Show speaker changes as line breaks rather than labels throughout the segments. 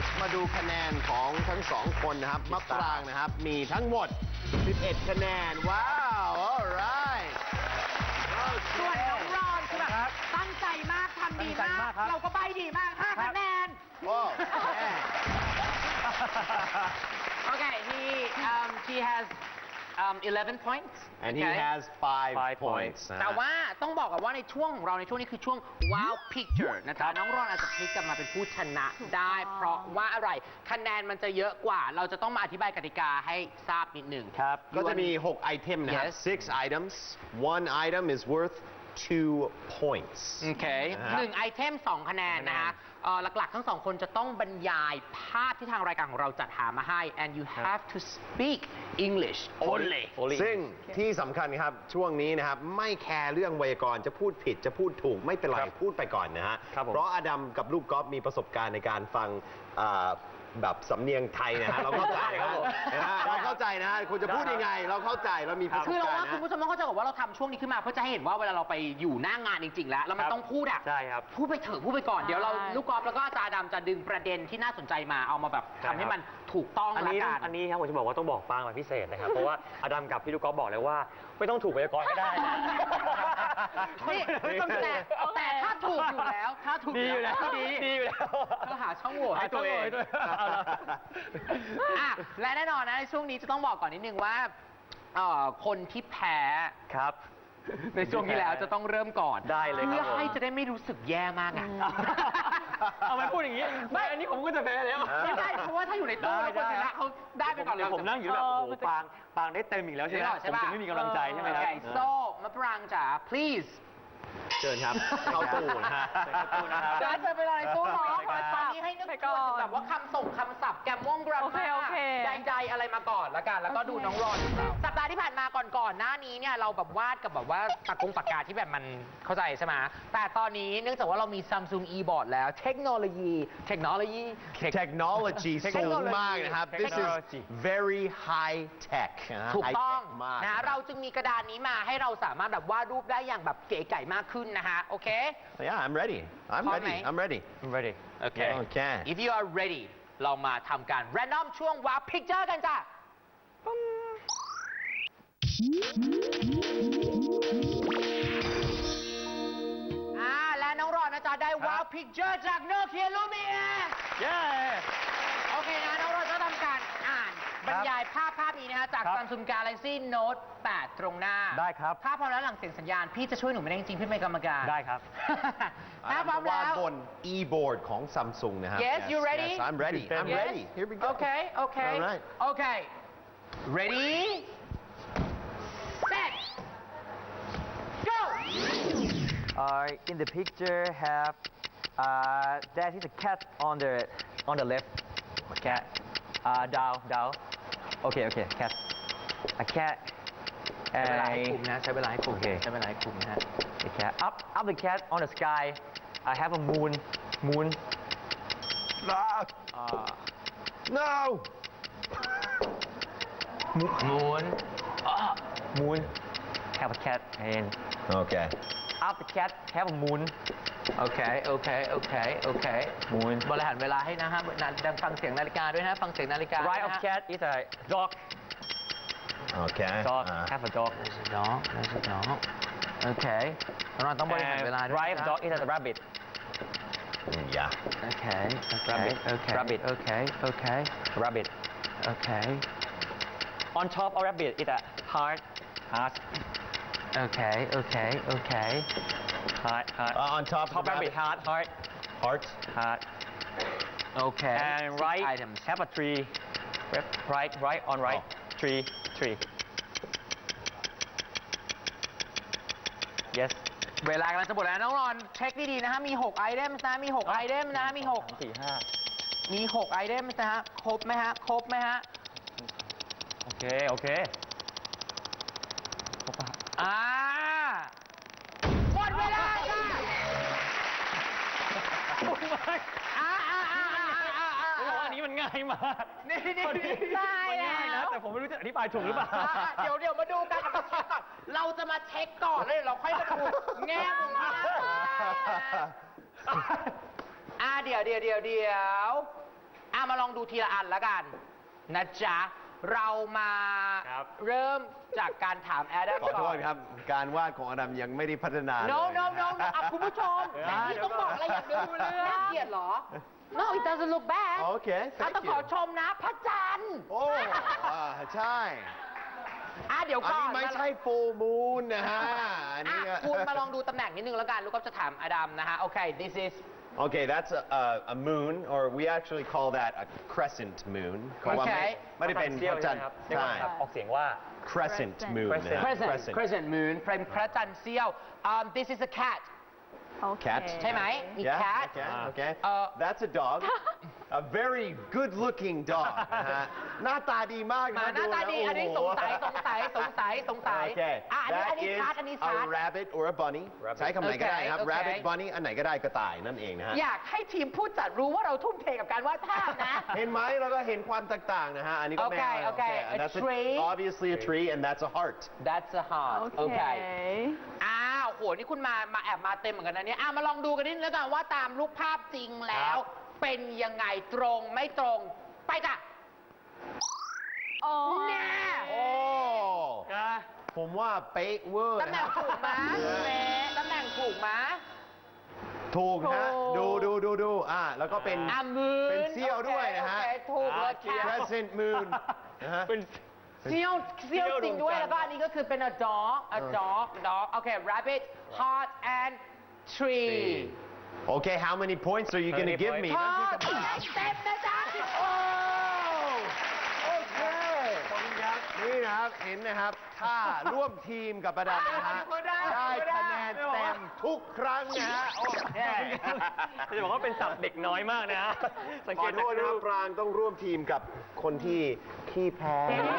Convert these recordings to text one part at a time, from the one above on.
มาดูคะแนนของทั้งสองคนนะครับมะปรางนะครับมีทั้งหมด 11 คะแนนว้าว alright
ส่วนน้องรอนคือแบบตั้งใจมากทำดีมาก เราก็ใบดีมาก5 คะแนน
โอ้
Okay, he has 11 points.
and he
okay?
has 5 points
แต่ว่าต้องบอกกันว่าในช่วงของเราในช่วงนี้คือช่วง wow picture นะคะน้องรอนอาจจะพลิกกลับมาเป็นผู้ชนะได้ เพราะว่าอะไรคะแนนมันจะเยอะกว่า เราจะต้องมาอธิบายกติกาให้ทราบนิดหนึ่ง
ครับก็จะมี 6 ไอเทมนะครับ
Yes.
6 items one item is worth 2 points
โอเค1ไอเทม 2 คะแนนนะคะหลักๆ ทั้งสองคนจะต้องบรรยายภาพที่ทางรายการของเราจัดหามาให้ and you have to speak English only
ซึ่งที่สำคัญครับช่วงนี้นะครับไม่แคร์เรื่องไวยากรณ์จะพูดผิดจะพูดถูกไม่เป็นไรพูดไปก่อนนะฮะเพราะอดัมกับลูกกอล์ฟมีประสบการณ์ในการฟังแบบสำเนียงไทยนะฮะเราเข้าใจครับเราเข้าใจนะฮะคุณจะพูดยังไงเราเข้าใจเรามีประสบการณ์
คือเราว่า
นะ
คุณผู้ชมต้องเข้าใจก่อนว่าเราทำช่วงนี้ขึ้นมาเพื่อจะให้เห็นว่าเวลาเราไปอยู่หน้างานจริงๆแล้วมันต้องพูดอ่ะ
ใช่ครับ
พูดไปเถอะพูดไปก่อนเดี๋ยวเราลูกกอล์ฟแล้วก็อาจารย์ดำจะดึงประเด็นที่น่าสนใจมาเอามาแบบทำให้มันถูกต้อง
อัน
ละ
นี้
กัน
อันนี้ครับผมจะบอกว่าต้องบอกปางมาพิเศษนะครับ เพราะว่าอดัมกับพี่ลูกกอล์ฟบอกเลยว่าไม่ต้องถูกไวยากรณ์ก็ได้นะ
นี่แต่ถ้าถูกอยู่แล้วถ้าถูก
ดีอยู่แล้ว
ก็ดี
ดีอยู่แล้ว
ก็หาช่องโหว่ให้ตัวเอง
เอาละ
อ่ะและแน่นอนนะในช่วงนี้จะต้องบอกก่อนนิดนึงว่าคนที่แพ้
ครับ
ในช่วงที่แล้วจะต้องเริ่มก่อน
ได้เลยครับ
เพื่อ
ผม
ให้จะได้ไม่รู้สึกแย่มากอ่ะ
เอาไปพูดอย่างนี้ไม่อันนี้ผมก็จะแพ้แล้ว
ไม่ได้เพราะว่าถ้าอยู่ในตู้แล้วคนชนะเขาได้ไปก่อนเลย
ผมนั่งอยู่แบบโอ้โหปางได้เต็มอีกแล้วใช่ไหมผมจะไม่มีกำลังใจใช่ไหมครับ
โอเคโซ่มะปรางจ๋า please
เชิญครับเข้าตู้นะฮะ
เข้าตู้นะครับ
เดินไปรอในตู้เนาะ
ไปก่อน
ตอนนี้ให้นึก
ไป
ถึ
ก่
ง
อน
แบบว่าคำส่งคำศัพท์แกมม่วงกรา
โอเค
มา
โอเค
ใดๆอะไรมาก่อนละกันแล้วก็ดูน้องรอนสัปดาห์ที่ผ่านมาก่อนหน้านี้เนี่ยเราแบบวาดกับแบบว่าปากกาที่แบบมันเข้าใจใช่ไหมแต่ตอนนี้เนื่องจากว่าเรามี Samsung e-board แล้วเทคโนโลยี
technology สูงมากนะครับ this is very high tech นะฮะ
ถูกต้อง
high tech มาก
นะเราจึงมีกระดานนี้มาให้เราสามารถแบบวาดรูปได้อย่างแบบเก๋ไก่มากขึ้นนะฮะโอเค
yeah I'm ready
พร้อมไหม
I'm ready
I'm ready
โอเค
Okay.
if you are ready เรามาทำการ random ช่วงว้าว picture กันจ้ะและน้องรอนนะจ๊ะได้ว้าว picture จากโนเกียลูเมีย
เย้
โอเคนะน้องรอนจะทำการอ่านบรรยายภาพนี้นะฮะจาก
ครับ
Samsung Galaxy Note 8 ตรงหน้า
ได้ครับ
ถ้าพร้อมแล้วหลังเสียงสัญญาณ พี่จะช่วยหนูไม่ได้จริงๆพี่เป็นกรรมการ
ได้ครับ
ถ้าพร้อมแล้ว
บน e-board ของ Samsung นะครับ
Yes you ready
Yes I'm ready I'm
Yes?
ready here we go
Okay okay
Alright.
Okay ready set go
In the picture have there is a cat on the left. Cat. Down. Okay. Cat. A cat.
ใช้เวลาให้คุมนะใช้เวลาให้คุม
โอเค
ใช้เวลาให้คุมนะฮะ
The cat. Up the cat on the sky. I have a moon.
no no
Moon. Have a cat and
okay
up the cat have a moon.
โอเค
Moon.
บริหารเวลาให้นะฮะดังฟังเสียงนาฬิกาด้วยนะฟังเสียงนาฬิกา
Right of cat is a dog.
okay
Dog. Have a dog.
น้องโอเคเราต้องบริหารเวลา
And
ด้วย
right of
นะ
dog is a rabbit.
yeah
โอเค
Rabbit. Rabbit.
โอเค
Rabbit.
โอเค
On top of rabbit is a heart.
โอเค
Heart.
on top
Top
of the
rabbit. Heart.
heart
โอเค
And right
items
have a tree. Right on right. Tree. Yes.
เวลากำลังจะหมดแล้วน้องรอนเช็คดีๆนะฮะมี6ไอเทมนะมี6ไอเทมนะมี
3 4 5
มี6ไอเทมนะฮะครบไหมฮะ
โอเคครบป่ะ
หมดเวลาค่ะ
อันนี้มันง่ายมาก
นี่
ตาย
มัน
แล้
ง่ายนะ
ว
แต่ผมไม่รู้จะอธิบายถูกหรือเปล่า
เดี๋ยวมาดูกันมาเช็คก่อนเราจะมาเช็คก่อนเลยเราค่อยมาดูแง่มุมว่าเดี๋ยวมาลองดูทีละอันแล้วกันนะจ๊ะ เรามา
ครับ
เริ่มจากการถามแอดัม
ขอ
ก่
โท
อ
ษ
น
ครับ การวาดของอดัมยังไม่ได้พัฒนาเลย
no no no no อ่ะคุณผู้ชมแต่นี่ต้องบอกอะไรอย่างเดียวน่าเกลียดเหรอ no it doesn't look bad
โอเค
ต้องขอชมนะพระจันทร์
โอ้ใช่
เดี๋ยว
อัน
ก่อ
นี้
น
ไม่ใช่ full moon นะฮะ อันนี้
คุณมาลองดูตำแหน่งนิดนึงแล้วกัน ลูกก็จะถามอดัมนะฮะ โอเค this is
Okay, that's a moon, or we actually call that a crescent moon. เพราะว่าไม่ได้เป็นพระจันทร์
เรียก
ใช่
ว่าออกเสียงว่า
crescent moon นะฮะ
crescent moon เป็นพระจันทร์เสี้ยว this is a cat
Cat
ใช่ไหมมี
Yeah,
cat
okay. That's a dog. A very good-looking dog นะฮะหน้าตาดีมาก
มา
นะ
หน้าตาดี อันนี้สงสัย
โอเค
อันนี้
That
ชัด
is
อันนี้
a
ชัด
rabbit or a bunny ใช้คำไหนก็ได้ครับ
Okay, okay.
rabbit bunny อันไหนก็ได้กระต่ายนั่นเองนะฮะ
อยากให้ทีมผู้จัดรู้ว่าเราทุ่มเทกับการวาดภาพนะ
เห็นไหมเราก็เห็นความแตกต่างนะฮะ อันนี้ก็แมว
Okay,
And
a
that's
tree.
obviously a tree and that's a heart
that's a heart okay โห นี่คุณมาแอบมาเต็มเหมือนกันนะเนี่ยมาลองดูกันนิดนึงแล้วกันว่าตามรูปภาพจริงแล้ว เป็นยังไงตรงไม่ตรง ไปจ้ะแน่
โอ้ผมว่าเป๊ะเวอร์
ตำแหน่งถูกไหมตำแหน่งถูกไหม
ถูกฮะดูแล้วก็เป็น
มือ
เป็นเสี้ยวด้วยนะฮะ
โอเคถูกเลยค่ะ
crescent moon นะฮะ
เป็น
เสี้ยวจริงด้วย แล้วก็อันนี้ก็คือเป็น a dog โอเค rabbit heart and tree
Okay how many points are you going to give me
พอเต็มนะจ๊ะโอ้
โอเคขอบคุณครับนี่นะครับเห็นนะครับถ้าร่วมทีมกับประดับนะฮะได้คะแนนเต็มทุกครั้งนะฮะโอเค
จะบอกว่าเป็นศัพท์เด็กน้อยมากนะ สัง
ข
เก
อ
ต
โทษนะครับปรางต้องร่วมทีมกับคนที่ขี้แพ้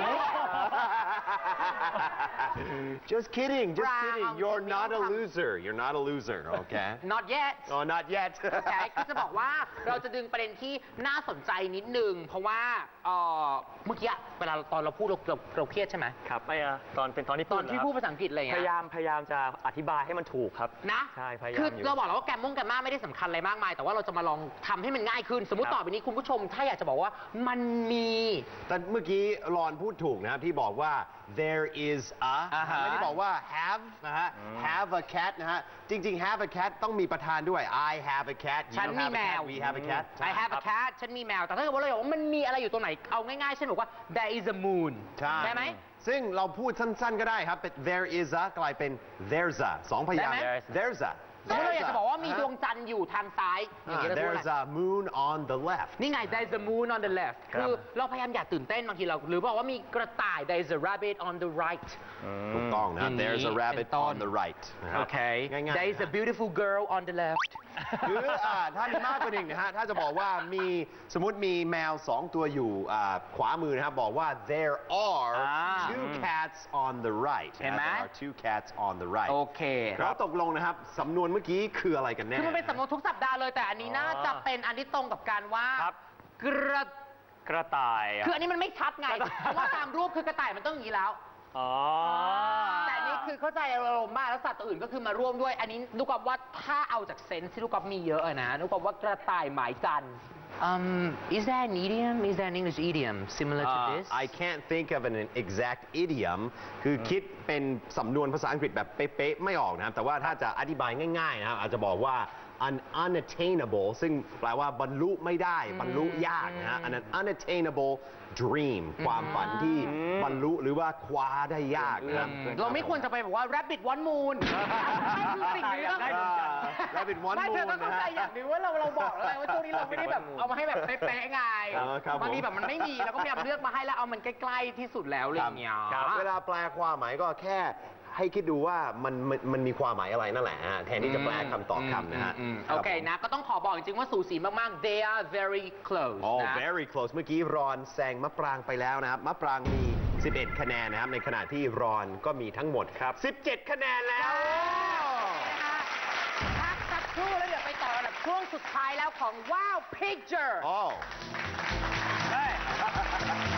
Just kidding you're not a loser okay
not yet
oh not yet
โอเคคือจะบอกว่าเราจะดึงประเด็นที่น่าสนใจนิดนึง เพราะว่าเมื่อกี้เวลาตอนเราพูดเราเครียดใช่ไหม
ครับไม่ตอนที่
ตอนที่พูดภาษาอังกฤษอะไรอย่าง
พ
เงี้
ยายามจะอธิบายให้มันถูกครับ
นะ
ใช่พยายาม
คือ
อยู่
เราบอกแล้วว่าแกมมาไม่ได้สำคัญอะไรมากมาย แต่ว่าเราจะมาลองทำให้มันง่ายขึ้น สมมุติ
ครับ
ต่อไปนี้คุณผู้ชมถ้าอยากจะบอกว่ามันมี
แต่เมื่อกี้รอนพูดถูกนะครับที่บอกว่า there is a ไม่ได้บอกว่า have นะฮะ have a cat นะฮะจริงๆ have a cat ต้องมีประธานด้วย I have a cat you
ฉันมี
have a
แม
cat
ว
we have a cat
I have a cat ฉันมีแมว แต่ถ้าเกิดว่าเราบอกว่ามันมีอะไรอยู่ตรงไหน เอาง่ายๆเช่นบอกว่า there is a moon
ใช่
ได้ไหม
ซึ่งเราพูดสั้นๆก็ได้ครับเป็น there is a กลายเป็น there's a สองพยางค์
ได้ไหม
there's a
สมมติเราอยากจะบอกว่ามีดวงจันทร์อยู่ทางซ้ายอย่างนี้เราพูด
there's
อะไร
a moon on the left
นี่ไง there is a moon on the left คือเราพยายามอย่าตื่นเต้นบางทีเราหรือบอกว่ามีกระต่าย there is a rabbit on the right
ถูกต้องนะ
อย่างนี้
there's a rabbit
เป็นต้น
on the right นะครับ
โอเค
ง่ายๆ
there is a beautiful girl on the left
หรือถ้ามีมากกว่าหนึ่งนะฮะ ถ้าจะบอกว่ามีสมมติมีแมว2ตัวอยู่ขวามือนะครับ บอกว่า there are two cats on the right
เห็นไหม
there are two cats on the right
โอเค
แล้วตกลงนะครับ สำนวนเมื่อกี้คืออะไรกันแน่
คือมันเป็นสำนวนทุกสัปดาห์เลยแต่อันนี้น่าจะเป็นอันที่ตรงกับการว่า
ครับ
กระ
ต่าย
คืออันนี้มันไม่ชัดไง เพราะว่าตามรูปคือกระต่ายมันต้องอย่างนี้แล้ว
อ๋อ
แต่อันนี้คือเข้าใจอารมณ์มากแล้วสัตว์ตัวอื่นก็คือมาร่วมด้วย อันนี้ลูกกอล์ฟว่าถ้าเอาจากเซนส์ที่ลูกกอล์ฟมีเยอะอะนะลูกกอล์ฟว่ากระต่ายหมายจันทร์ is there an idiom is there an English idiom similar to this
I can't think of an exact idiom คือคิดเป็นสำนวนภาษาอังกฤษแบบเป๊ะๆไม่ออกนะครับ แต่ว่าถ้าจะอธิบายง่ายๆนะครับอาจจะบอกว่า an unattainable ซึ่งแปลว่าบรรลุไม่ได้ บรรลุยากนะฮะ an unattainable dream ความฝันที่บรรลุหรือว่าคว้าได้ยากนะครับ
เราไม่ควรจะไปบอกว่า rabbit one moon ไม่คือสิ่งนี้ก็
rabbit one
ไม่เธอ
moon
ต้องเข้าใจอย่างหนึงว่าเราบอกแล้วไงว่าช่วงนี้เราไม่ได้แบบเอามาให้แบบเป๊ะๆไง
ครับผม
บางทีแบบมันไม่มีเราก็พยายามเลือกมาให้แล้วเอามันใกล้ๆที่สุดแล้วอะไรอย่างเงี้ย
เวลาแปลความหมายก็แค่ให้คิดดูว่ามันมีความหมายอะไรนั่นแหละฮะแทนที่จะแปลคำต่อคำนะฮะ
โอเคนะ ก็ต้องขอบอกจริงๆว่าสูสีมากๆ they are very close
อ๋อ
นะ
very close เมื่อกี้รอนแซงมะปรางไปแล้วนะครับ มะปรางมี 11 คะแนนนะครับ ในขณะที่รอนก็มีทั้งหมดครับ 17 คะแนนแล้ว
พักสักครู่แล้วเดี๋ยวไปต่อระดับช่วงสุดท้ายแล้วของ Wow Picture
อ๋อ